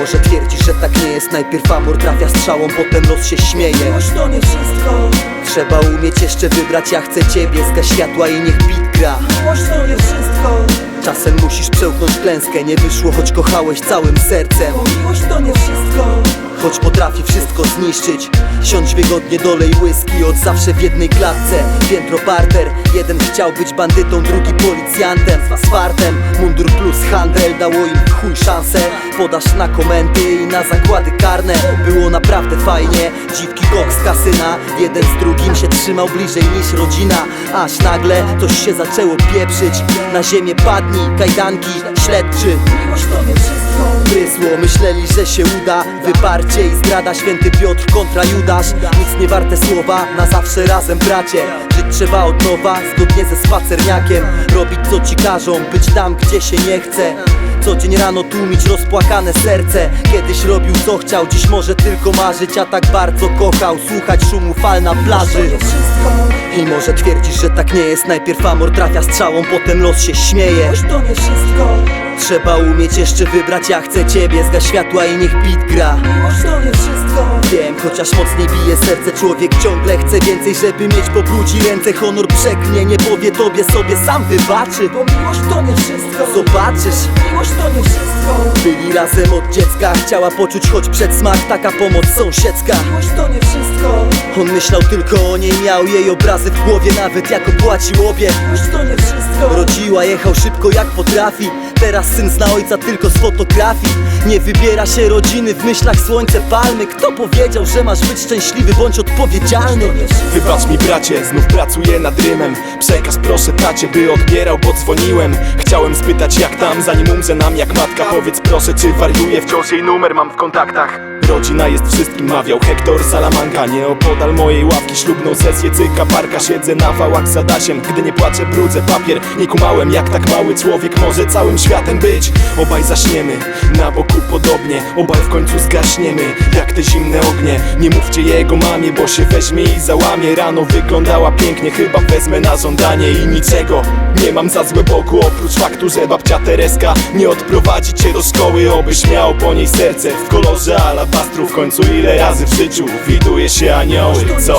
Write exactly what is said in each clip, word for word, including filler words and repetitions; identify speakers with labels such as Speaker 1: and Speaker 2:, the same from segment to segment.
Speaker 1: Mimo że twierdzisz, że tak nie jest, najpierw amor trafia strzałą, potem los się śmieje.
Speaker 2: Miłość to nie wszystko.
Speaker 1: Trzeba umieć jeszcze wybrać, ja chcę ciebie, zgaś światła i niech beat gra.
Speaker 2: Miłość to nie wszystko.
Speaker 1: Czasem musisz przełknąć klęskę, nie wyszło, choć kochałeś całym sercem.
Speaker 2: Bo miłość to nie wszystko.
Speaker 1: Choć potrafi wszystko zniszczyć. Siądź wygodnie, dolej whisky, od zawsze w jednej klatce. Piętro parter, jeden chciał być bandytą, drugi policjantem. Z fartem, mundur plus handel dało im w chuj szansę. Podasz na komendy i na zakłady karne. Było naprawdę fajnie, dziwki koks z kasyna. Jeden z drugim się trzymał bliżej niż rodzina. Aż nagle coś się zaczęło pieprzyć. Na ziemię padnij, kajdanki, śledczy.
Speaker 2: Miłość to nie wszystko.
Speaker 1: Prysło, myśleli, że się uda. Wyparcie i zdrada, święty Piotr kontra Judasz. Nic nie warte słowa, na zawsze razem bracie. Żyć trzeba od nowa, zgodnie ze spacerniakiem. Robić co ci każą, być tam gdzie się nie chce. Co dzień rano tłumić rozpłakane serce. Kiedyś robił co chciał, dziś może tylko marzyć. A tak bardzo kochał, słuchać szumu fal na plaży.
Speaker 2: To nie wszystko.
Speaker 1: I może twierdzisz, że tak nie jest, najpierw amor trafia strzałą, potem los się śmieje.
Speaker 2: Miłość to nie wszystko.
Speaker 1: Trzeba umieć jeszcze wybrać, ja chcę ciebie, zgaś światła i niech beat gra.
Speaker 2: Miłość to nie wszystko.
Speaker 1: Wiem, chociaż mocniej bije serce, człowiek ciągle chce więcej, żeby mieć po brudzi ręce. Honor przeklnie, nie powie tobie, sobie sam wybaczy.
Speaker 2: Bo miłość to nie wszystko.
Speaker 1: Zobaczysz,
Speaker 2: Miłość to nie wszystko.
Speaker 1: byli razem od dziecka, chciała poczuć choć przedsmak, taka pomoc sąsiedzka.
Speaker 2: Miłość to nie wszystko.
Speaker 1: On myślał tylko o niej, miał jej obrazy w głowie, nawet jak opłacił obie.
Speaker 2: Miłość to nie wszystko.
Speaker 1: Rodziła, jechał szybko jak potrafi. Teraz syn zna ojca tylko z fotografii. Nie wybiera się rodziny, w myślach słońce, palmy. Kto powiedział, że masz być szczęśliwy, bądź odpowiedzialny?
Speaker 3: Wybacz mi bracie, znów pracuję nad rymem. Przekaz proszę tacie, by odbierał, bo dzwoniłem. Chciałem spytać jak tam, zanim umrze nam jak matka. Powiedz proszę, czy wariuję, wciąż jej numer mam w kontaktach. Rodzina jest wszystkim, mawiał Hektor Salamanca. Nieopodal mojej ławki ślubną sesję cyka parka. Siedzę na wałach z Adasiem, gdy nie płaczę brudzę papier. Nie kumałem jak tak mały człowiek może całym światem być. Obaj zaśniemy, na boku podobnie. Obaj w końcu zgaśniemy, jak te zimne ognie. Nie mówcie jego mamie, bo się weźmie i załamie. Rano wyglądała pięknie, chyba wezmę na żądanie. I niczego nie mam za złe boku, oprócz faktu, że babcia Tereska nie odprowadzi cię do szkoły. Obyś miał po niej serce w kolorze alabastru. W końcu ile razy w życiu widuje się anioły, co?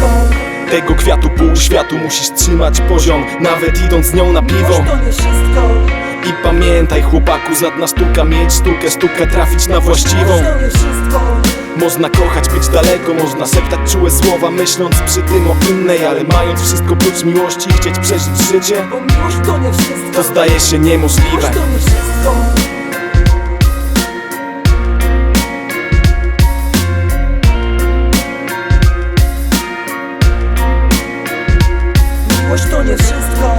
Speaker 3: Tego kwiatu pół światu musisz trzymać poziom, nawet idąc z nią na piwo.
Speaker 2: Miłość to nie wszystko.
Speaker 3: I pamiętaj chłopaku, żadna sztuka mieć sztukę, sztuka trafić na właściwą.
Speaker 2: Miłość to nie wszystko.
Speaker 3: Można kochać, być daleko, można szeptać czułe słowa, myśląc przy tym o innej, ale mając wszystko prócz miłości, chcieć przeżyć życie,
Speaker 2: Bo miłość to nie wszystko.
Speaker 3: to zdaje się niemożliwe.
Speaker 2: Miłość to nie wszystko. Miłość to nie wszystko.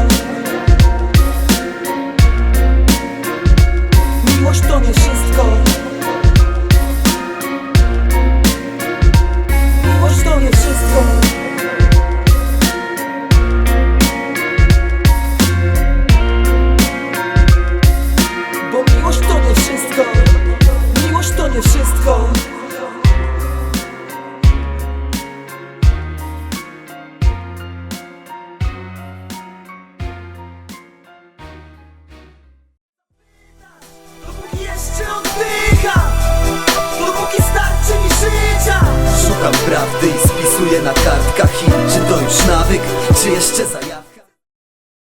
Speaker 2: Miłość to nie wszystko. Miłość to nie wszystko. Bo miłość to nie wszystko. Miłość to nie wszystko. Dopóki jeszcze oddycham, dopóki starczy mi życia.
Speaker 1: Szukam prawdy i spisuję na kartkach. I czy to już nawyk, czy jeszcze za...